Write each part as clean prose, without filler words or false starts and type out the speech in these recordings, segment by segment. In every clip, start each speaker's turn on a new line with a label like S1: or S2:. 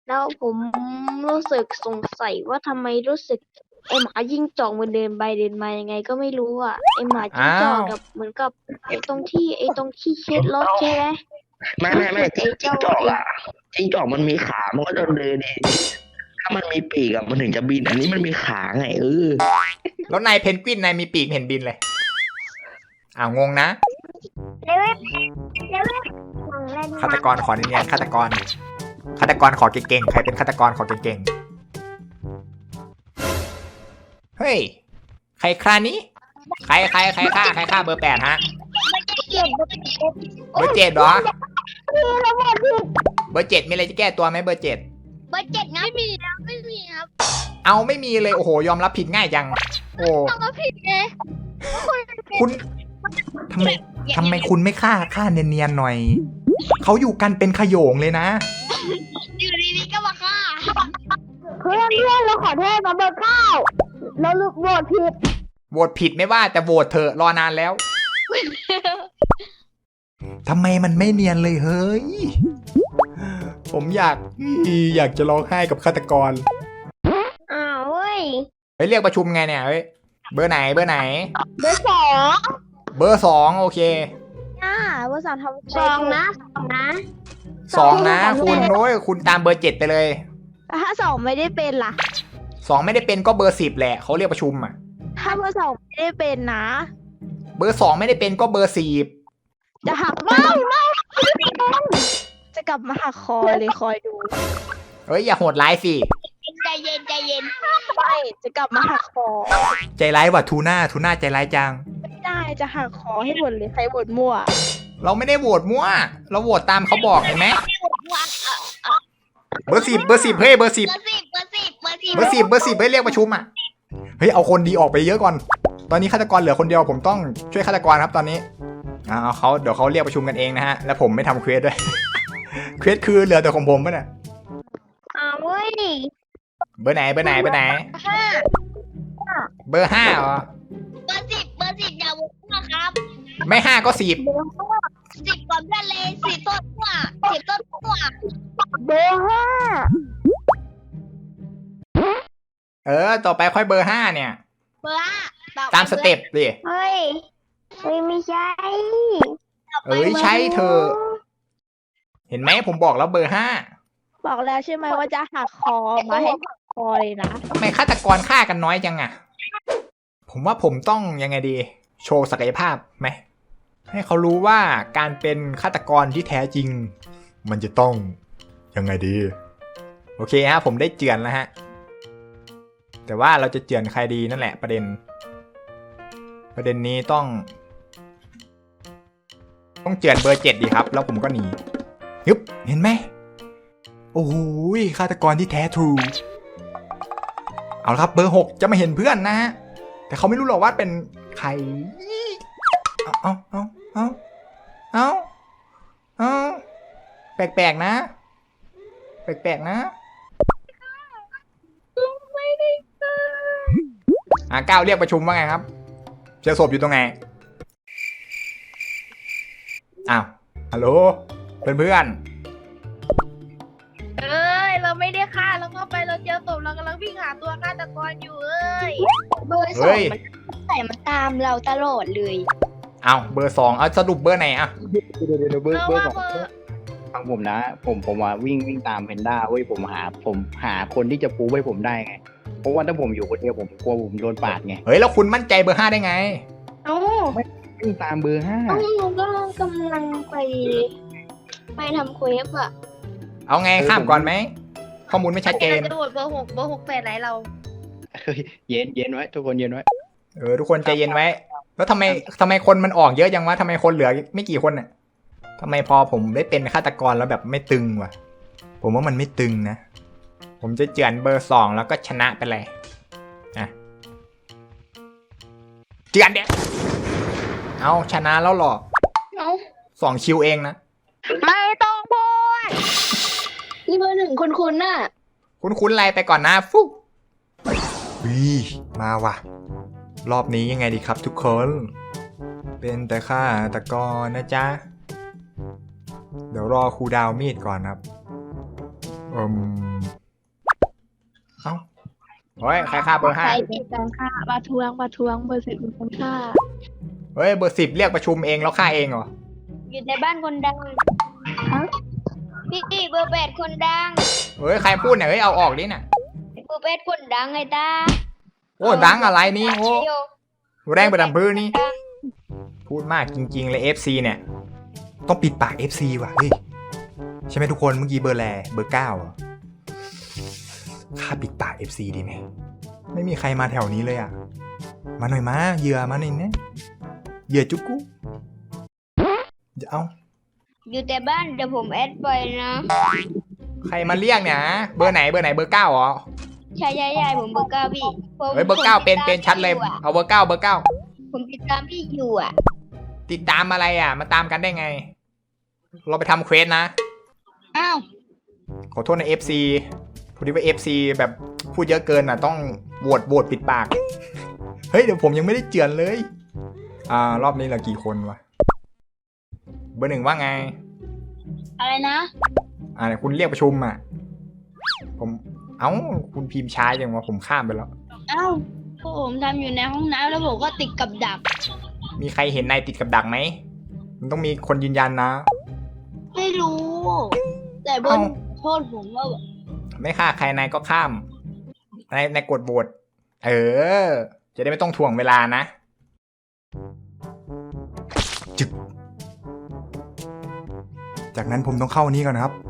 S1: แล้วผมรู้สึกสงสัยว่าทำไมรู้สึกไอหมาจิ้งจอกมันเดินไปเดินมายังไงก็ไม่รู้อ่ะไอหมาจิ้ง
S2: อ้า
S1: จอก
S2: ว
S1: กับเหมือนกับไอตรงที่เช็ดรถใช่ไหม
S3: ไม่
S1: ไอ
S3: จิ้ง
S1: เจ้าไอ
S3: จอกอ่ะจิ้งจอกมันมีขามันก็จะเดินเองถ้ามันมีปีกอ่ะมันถึงจะบินอันนี้มันมีขาไง
S2: แล้วนายเพนกวินนายมีปีกเห็นบินเลยอ้าวงงนะ
S1: ของเล่น
S2: ฆาตกรขอเนียนๆฆาตกรขอเก่งๆใครเป็นฆาตกรขอเก่งๆเฮ้ยใครครานี้ใครฆ่าเบอร์ 8ฮะเบอร์ 7เหรอเบอร์ 7มีอะไรจะแก้ตัวไหมเบอร์ 7
S1: เบอร์ 7งั้นไม่มีครับ
S2: เอาไม่มีเลยโอ้โหยอมรับผิดง่ายจังโอ้
S1: ต้องก็ผิดไง
S2: คุณทำไมคุณไม่ฆ่าเนียนๆหน่อยเขาอยู่กันเป็นขโยงเลยนะ
S1: อยู่ดีๆก็มาฆ่าเพื่อนเราขอโทษมาเบอร์ 9เราโหวตผิด
S2: โหวตผิดไม่ว่าแต่โหวตเถอะรอนานแล้วทำไมมันไม่เนียนเลยเฮ้ยผมอยากจะร้องไห้กับฆาตกร
S1: อ้าวเว้ย
S2: ไปเรียกประชุมไงเนี่ยเฮ้ยเบอร์ไหน
S1: เบอร์ 2
S2: เบอร์ 2โอเค
S1: เบอร์ 2ทำ2นะ
S2: 2นะคุณโอ้ยคุณตามเบอร์ 7ไปเลย
S1: ถ้า2ไม่ได้เป็นล่ะ
S2: 2ไม่ได้เป็นก็เบอร์ 10แหละเขาเรียกประชุมอ่ะ
S1: ถ้าเบอร์ 2ไม่ได้เป็นนะ
S2: เบอร์ 2ไม่ได้เป็นก็เบอร์ 10
S1: จะหักไม่จะกลับมาหักคอเลยคอยดู
S2: เฮ้ยอย่าโหดร้ายสิ
S1: ใจเย็นไม่จะกลับมาหักคอ
S2: ใจร้ายว่ะทูน่าใจร้ายจัง
S1: ไม่ได้จะหักคอให้หมดเลยใครโหวตมั่ว
S2: เราไม่ได้โหวตมั่วเราโหวตตามเขาบอกเห็นไหมเบอร์ 10เฮ้ยเบอร์ 10ให้เรียกประชุมอ่ะเฮ้ยเอาคนดีออกไปเยอะก่อนตอนนี้ฆาตกรเหลือคนเดียวผมต้องช่วยฆาตกรครับตอนนี้เดี๋ยวเขาเรียกประชุมกันเองนะฮะแล้วผมไม่ทำเควสด้วย เควสคือเหลือแต่ของผมป่ะเนี่ย
S1: เว้ย
S2: เบอร์ไหน5เบอร์ 5เหรอ
S1: เบอร์ 10อย่าโหวตนะครับ
S2: ไม่5ก็10
S1: 10ก่อนเพื่อนเลย10ต้นกว่า10ต้นกว่าเบอร์
S2: 5ต่อไปค่อยเบอร์ 5เนี่ย
S1: เบอร์ 5
S2: ตามสเต็ปดิ
S1: เฮ้ยไม่ใช่
S2: ใช่เธอเห็นไหมผมบอกแล้วเบอร์ 5
S1: บอกแล้วใช่ไหมว่าจะหักคอมาให้หักคอเลยนะ
S2: ทำไมฆาตกรฆ่ากันน้อยจังอะผมว่าผมต้องยังไงดีโชว์ศักยภาพไหมให้เขารู้ว่าการเป็นฆาตกรที่แท้จริงมันจะต้องยังไงดีโอเคฮะผมได้เจือนแล้วฮะแต่ว่าเราจะเจือนใครดีนั่นแหละประเด็นนี้ต้องเจือนเบอร์ 7ดีครับแล้วผมก็หนียึบเห็นไหมโอ้โหฆาตกรที่แท้ทรูเอาละครับเบอร์ 6จะมาเห็นเพื่อนนะฮะแต่เขาไม่รู้หรอกว่าเป็นใครเอาแปลกๆนะไม่ได้ก้าวเรียกประชุมว่าไงครับเจอศพอยู่ตรงไหนอ้าวฮัลโหลเพื่อน
S1: เราไม่ได้ฆ่าเราก็ไปเราเจอศพเรากำลังวิ่งหาตัวฆาตกรอยู่เบอร์ 2มันตามเราตลอดเลย
S2: เอาเบอร์ 2เอาสรุปเบอร์ไหนอะ
S3: เบอร์ 2ฟังผมนะผมว่าวิ่งตามเพนด้าเว้ยผมหาคนที่จะปูให้ผมได้ไงเพราะว่าถ้าผมอยู่คนเดียวผมกลัวผมโดนปาดไง
S2: เฮ้ยแล้วคุณมั่นใจเบอร์ 5ได้ไง
S3: ไม่วิ่งตามเบอร์ 5
S1: หนูก็กำลังไปทำเควสอะ
S2: เอาไงข้ามก่อนไหมข้อมูลไม่ชัดเจน
S1: จะโหวตเบอร์ 6แปดไหนเรา
S3: เย็นไว้ทุกคนเย็นไว้
S2: ทุกคนใจเย็นไว้แล้วทำไมคนมันออกเยอะจังวะทำไมคนเหลือไม่กี่คนน่ะทำไมพอผมได้เป็นฆาตกรแล้วแบบไม่ตึงวะผมว่ามันไม่ตึงนะผมจะเจือนเบอร์ 2แล้วก็ชนะไปเลยนะเจือนเด็กเอาชนะแล้วหรอ2 คิวเองนะ
S1: ไม่ต้องพูดนี่เบอร์ 1คุณน่ะ
S2: คุณอะไรไปก่อนนะฟุ๊บมาว่ะรอบนี้ยังไงดีครับทุกคนเป็นแต่ฆาตกรนะจ๊ะเดี๋ยวรอครูดาวมีดก่อนครับเอ้าเฮ้ยใครฆ่าเบอร์
S1: ใค
S2: 5
S1: รเป็นการฆ่าบาทวงเบอร์ 10เป็นคนฆ่า
S2: เฮ้ยเบอร์ 10เรียกประชุมเองแล้วฆ่าเองเหรอ
S1: อยู่ในบ้านคนดังพี่เบอร์ 8คนดัง
S2: เฮ้ยใครพูดเนี่ยเฮ้ยเอาออกดิน่ะ
S1: เบอร์ 8คนดังไงตา
S2: โอ้ดังอะไรนี่โอ้แรงไปดับพื้นนี่พูดมากจริงๆเลย FC เนี่ยต้องปิดปาก FC ว่ะเฮ้ยใช่ไหมทุกคนเมื่อกี้เบอร์แลเบอร์ 9อ่ะข้าปิดปาก FC ดีไหมไม่มีใครมาแถวนี้เลยอ่ะมาหน่อยมาเหยื่อมาหน่อยนะเหยื่อจุกกุจะเอา
S1: อยู่แต่บ้านเดี๋ยวผมแอดไปนะ
S2: ใครมาเรียกเนี่ยเบอร์ไหนเบอร์ 9เหรอ
S1: ใช่ผมเบอร์ 9พี่ผม
S2: เฮ้ยเบอร์ 9เป็นชัดเลยเอาเบอร์ 9เบอร์ 9
S1: ผมติดตามพี่อยู่อ่ะ
S2: ติดตามอะไรอ่ะมาตามกันได้ไงเราไปทำเควสนะ
S1: อ้าว
S2: ขอโทษนะ FC พอดีว่า FC แบบพูดเยอะเกินอ่ะต้องโหวตปิดปาก เฮ้ยเดี๋ยวผมยังไม่ได้เจือนเลยรอบนี้เหลือกี่คนวะเบอร์ 1ว่าไง
S1: อะไรนะ
S2: คุณเรียกประชุมอ่ะคุณพิมพ์ช้าอย่างว่าผมข้ามไปแล้ว
S1: อ้าวพวกผมทำอยู่ในห้องน้ำแล้วผมก็ติดกับดัก
S2: มีใครเห็นนายติดกับดักไหมมันต้องมีคนยืนยันนะ
S1: ไม่รู้ แต่บนโทษผมว่า
S2: ไม่ฆ่าใครนายก็ข้ามนายกดโหวตจะได้ไม่ต้องถ่วงเวลานะจึกจากนั้นผมต้องเข้านี้ก่อนนะครับ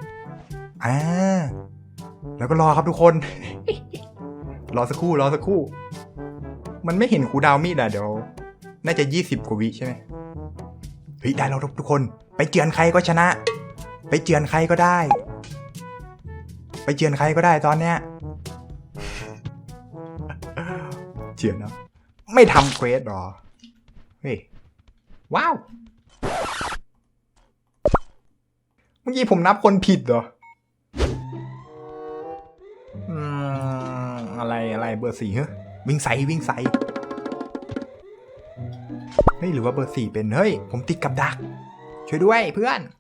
S2: แล้วก็รอครับทุกคน รอสักครู่มันไม่เห็นครูดาวมีดอ่ะเดี๋ยวน่าจะ20 กว่าวิใช่ไหมเฮ้ยได้แล้วทุกคนไปเจือนใครก็ชนะไปเจือนใครก็ได้ตอนเนี้ย เจือนเนาะไม่ทำเควสหรอเฮ้ยว้าวเมื่อกี้ผมนับคนผิดเหรออะไรเบอร์ 4เฮ้ยวิ่งใส่เฮ้ยหรือว่าเบอร์ 4เป็นเฮ้ยผมติดกับดักช่วยด้วยเพื่อน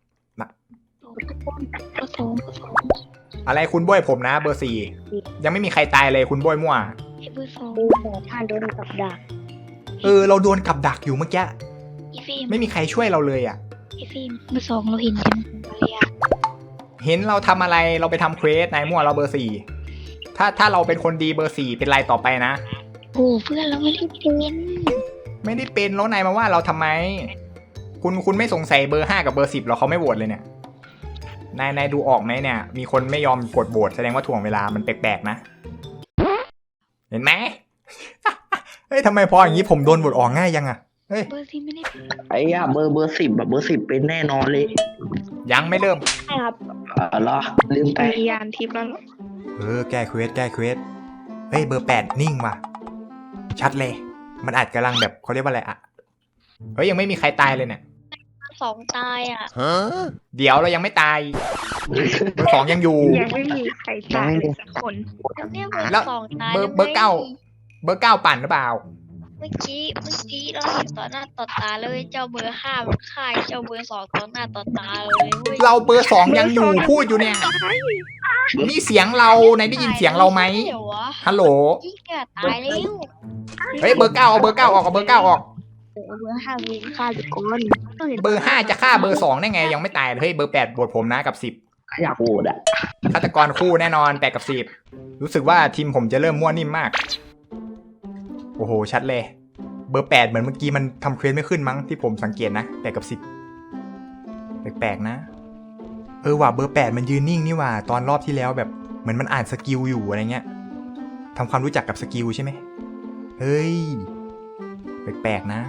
S2: อะไรคุณบ้วยผมนะเบอร์ 4ยังไม่มีใครตายเลยคุณบ้วยมั่ว
S1: เบอร์ 2ท่านโดนกับดัก
S2: เราโดนกับดักอยู่เมื่อกี้ไม่มีใครช่วยเราเลยอ่ะ
S1: ฟิล์มเบอร์ 2เราเห็นใช่ไหม
S2: เห็นเราทำอะไรเราไปทำเควสนายมั่วเราเบอร์ 4ถ้าเราเป็นคนดีเบอร์ 4เป็นไรต่อไปนะ
S1: โอ้เพื่อนเราไม่ได้
S2: เป็นแล้วนายมาว่าเราทำไมคุณไม่สงสัยเบอร์ 5กับเบอร์ 10หรอเขาไม่โหวตเลยเนี่ยนายดูออกไหมเนี่ยมีคนไม่ยอมกดโหวตแสดงว่าถ่วงเวลามันแปลกๆนะเห็นไหม เฮ้ยทำไมพออย่างนี้ผมโดนโหวตออกง่ายยังอะเฮ้ย
S1: เบอร์ 10ไม่ได้
S3: เบอร์ 10แบบเบอร์ 10เป็นแน่นอนเลย
S2: ยังไม่เริ่ม
S1: ใช่ครับ
S3: เหรอลืมไป
S1: ยานทิพย์แล้ว
S2: แก้เควสเฮ้ยเบอร์ 8นิ่งว่ะชัดเลยมันอาจกำลังแบบเขาเรียกว่าอะไรอะเฮ้ยยังไม่มีใครตายเลยเนี่ย
S1: 2ตายอ่ะ
S2: เดี๋ยวเรายังไม่ตายเบอร์ 2ยังอยู่
S1: ยังไม่มีใครตายสักคน
S2: แล้วเบอร์ 9ปั่นหรือเปล่า
S1: เมื่อกี้เราเห็นต่อหน้าต่อตาเลยเจ้าเบอร์ 5มันฆ่าเจ้าเบอร์ 2ต่อหน้าต่อตาเลย
S2: เราเบอร์ 2ยังอยู่พูดอยู่เนี่ยนี่เสียงเรานายได้ยินเสียงเราไหมฮัลโหล
S1: ตายแล้ว
S2: เฮ้ยเบอร์ 9เอาเบอร์ 9ออกเอาเบอร์ 9ออก
S1: เบอร์ 5มีฆ่าทุกคน
S2: เบอร์ 5จะฆ่าเบอร์ 2ได้ไงยังไม่ตายเลยเฮ้ยเบอร์ 8โหวตผมนะกับ10
S3: อยากโหวตอ่ะ
S2: ฆาตกรคู่แน่นอน8กับ10รู้สึกว่าทีมผมจะเริ่มมั่วนิ่มมากโอ้โหชัดเลยเบอร์ 8เหมือนเมื่อกี้มันทำเควสไม่ขึ้นมั้งที่ผมสังเกตนะ8กับ10แปลกๆนะว่ะเบอร์ 8มันยืนนิ่งนี่ว่ะตอนรอบที่แล้วแบบเหมือนมันอ่านสกิลอยู่อะไรเงี้ยทำความรู้จักกับสกิลใช่ไหมเฮ้ยแปลกๆนะ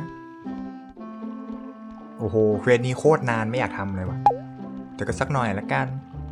S2: โอ้โหเควสนี้โคตรนานไม่อยากทำเลยว่ะแต่ก็สักหน่อยละกัน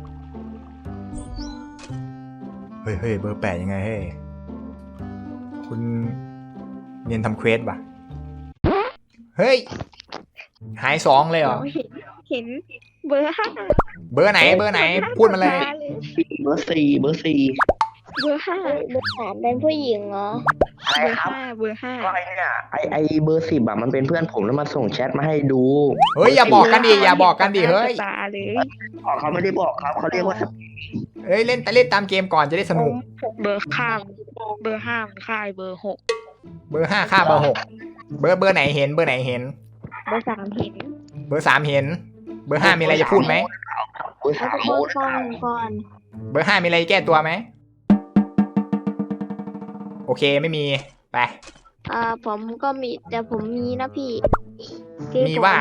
S2: เฮ้ยเบอร์ 8ยังไงเฮ้ยคุณเรียนทำเควสป่ะเฮ้ยหาย2เลยเหรอ
S1: เห็นเบอร์ 5
S2: เบอร์ไหนพูดมาเลย
S3: เบอร์ 4
S1: เบอร์ห้าเบอร์สามเป็นผู้หญิงเหรอ
S4: อะไรครับ
S1: เบอร์ห้า
S4: ก็ไอ้เนี่ยไอเบอร์10อ่ะมันเป็นเพื่อนผมแล้วมันส่งแชทมาให้ดู
S2: เฮ้ยอย่าบอกกันดิอย่าบอกกันดิเฮ้ย
S1: ตาเลย
S4: อ๋อเขาไม่ได้บอกครับเขาเรียกว่า
S2: เฮ้ยเล่นตามเกมก่อนจะได้สนุก
S1: เบอร์ข้ามเบอร์ห้ามค่ายเบอร์หก
S2: เบอร์5ค่าเบอร์6เบอร์ไหนเห็นเบอร์ไหนเห็น
S1: เบอร์สามเห็น
S2: เบอร์3เห็น เบอร์5มีอะไรจะพูดไหม
S4: เบอร์
S1: แล้ว
S4: 3
S1: ก็
S4: โม
S1: เบอร์ฟังก่อน
S2: เบอร์5มีอะไรแก้ตัวไหมโอเคไม่มีไป
S1: ผมก็มีแต่ผมมีนะพี่คือ
S2: มีว่า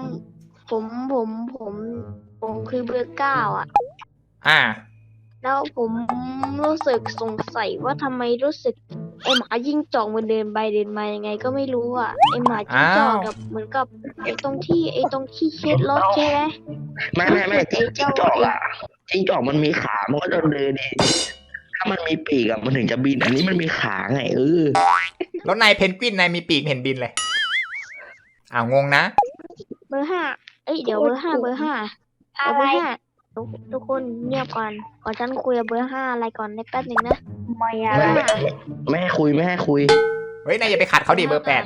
S1: ผมคือเบอร์9อ่ะ
S2: อ่า
S1: แล้วผมรู้สึกสงสัยว่าทำไมรู้สึกไอหมายิ่งจอกมันเดินไปเดินมายังไงก็ไม่รู้อ่ะไอหมาจิ้งจอกกับเหมือนกับไอตรงที่เช็ดรถใช่ไหม
S4: ไม่จิ้งจอกอ่ะจิ้งจอกมันมีขามันก็จะเดินดีถ้ามันมีปีกอ่ะมันถึงจะบินอันนี้มันมีขาไง
S2: แล้วนายเพนกวินนายมีปีกเห็นบินเลยงงนะ
S1: เบอร์5เดี๋ยวเบอร์5เบอร์5ทุกคนเงียบก่อนฉันคุยกับเบอร์5อะไรก่อนในแป๊บนึงนะไม่อะ
S4: ไม่ให้คุยไม่ให้คุย
S2: เฮ้ยนายอย่าไปขัดเขาดิเบอร์8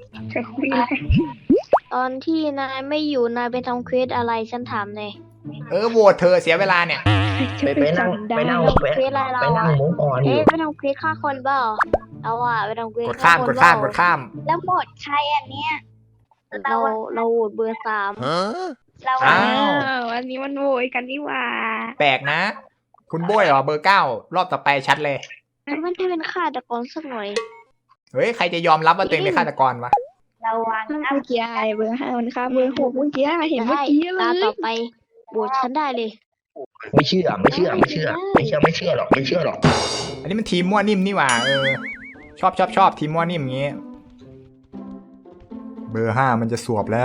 S1: ตอนที่นายไม่อยู่นายไปทำเควสอะไรฉันถามเลย
S2: โหวตเธอเสียเวลาเนี่ย
S4: ไปนั่งไปนั่ง
S1: เควสอะไรเรา
S4: ไปนั่ง
S1: อะ
S4: มุกออนอยู่
S1: ไปทำเควสฆ่าคนเปล่าเราอะไปทำเควส
S2: กดข้าม
S1: ฆ่คนเปล่
S2: กดข้าม
S1: แล้วหมดใครอันเนี้ยเราโหวตเบอร์3เรา
S2: อ้าว
S1: อันนี้มันโหวตกันนี่หว่า
S2: แปลกนะ คุณโบยเหรอเบอร์9รอบต่อไปชัดเลย
S1: มันจะเป็นฆาตกรสักหน่อย
S2: เฮ้ยใครจะยอมรับว่าตัวเองเป็นฆาตกรวะ
S1: ระวัง
S5: เมื่อกี้ไอเบอร์5มันฆ่าเบอร์6เมื่อกี้เห็นเมื่อกี้เล
S1: ตาย ต่อไปโหวตฉันได้เลย
S4: ไม่เชื่อหรอกไม่เชื่อหรอกไม่เชื่อหรอก
S2: อันนี้มันทีมมั่วนิ่มนี่หว่าชอบทีมมั่วนิ่มอย่างงี้ เบอร์5มันจะสวบแล้ว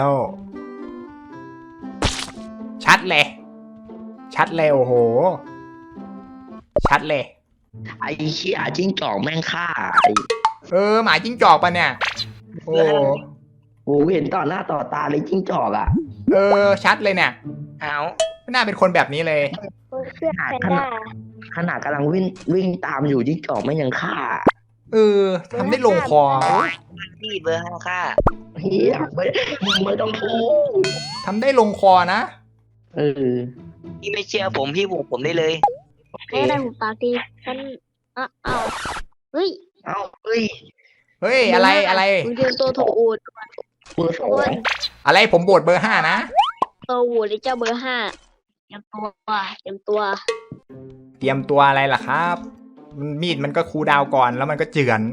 S2: ชัดเลยโอ้โหชัดเลย
S4: ไอ้เชี่ยจิ้งจอกแม่งฆ่า
S2: หมาจิ้งจอกปะเนี่ยโอ้
S4: โหเห็นต่อหน้าต่อตาเลยจิ้งจอกอ่ะ
S2: ชัดเลยเนี่ย
S4: เอา
S2: ไม่น่าเป็นคนแบบนี้เลย
S1: เพื่อนแพนด้า
S4: ขนาดกำลังวิ่งตามอยู่จิ้งจอกแม่งยังฆ่า
S2: ทำได้ลงคอ
S6: พี่เบอร์5ค่ะ
S4: เฮียไม่ต้องพูด
S2: ทำได้ลงคอนะ
S6: พี่ไม่เชื่อผมพี่บุกผมได้เลย
S1: ให้ได้หูปากดีฉันเอาเฮ้ย
S4: เฮ้ย
S2: เฮ้ยอะไร
S1: มึงเตรียมตัวถูกโหวต
S4: เบอร์
S2: อะไรผมโบดเบอร์5นะ
S1: ตัวโหวตเลยเจ้าเบอร์5เตรียมตัว
S2: เตรียมตัวอะไรล่ะครับมีดมันก็คูลดาวน์ก่อนแล้วมันก็เจือน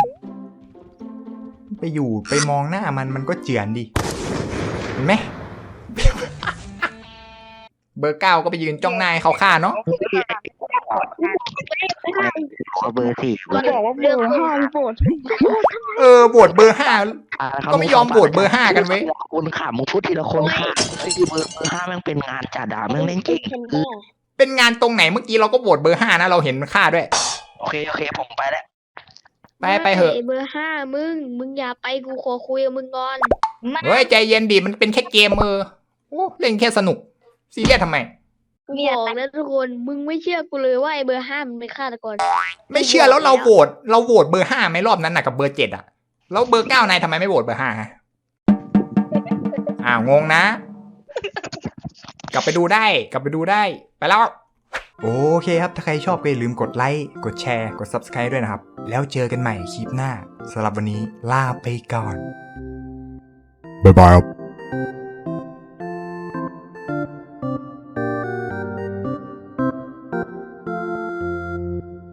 S2: ไปมองหน้ามันก็เจือนดิเห็นไหม เบอร์9ก็ไปยืนจ้องหน้าให้เขาฆ่าเนาะ
S4: เบอร์4
S5: ก็บอกว่าเบอร์5โปรด
S2: โบดเบอร์5ก็ไม่ยอมโบดเบอร์5กันเว้ย
S4: คนข่ามึงพูดทีละคนค่ะไอ้เบอร์5แม่งเป็นงานจ่าด่าแม่งเล่นเก่ง
S2: เป็นงานตรงไหนเมื่อกี้เราก็โบดเบอร์5นะเราเห็นมันฆ่าด้วย
S4: โอเคผมไปแล้ว
S2: ไปเหอะ
S1: เบอร์5มึงอย่าไปกูขอคุยกับมึงก่อน
S2: เฮ้ยใจเย็นดิมันเป็นแค่เกมเล่นแค่สนุกซีเรียสทำไม
S1: บอกนะทุกคนมึงไม่เชื่อกูเลยว่าไอ้เบอร์5มันเป็นฆาตกร
S2: ไม่เชื่อแล้วเราโหวตเบอร์5ไหมรอบนั้นน่ะกับเบอร์7อ่ะแล้วเบอร์9นายทำไมไม่โหวตเบอร์5ฮะงงนะ กลับไปดูได้ไปแล้วโอเคครับถ้าใครชอบก็อย่าลืมกดไลค์กดแชร์กด Subscribe ด้วยนะครับแล้วเจอกันใหม่คลิปหน้าสำหรับวันนี้ลาไปก่อนบ๊ายบายครับ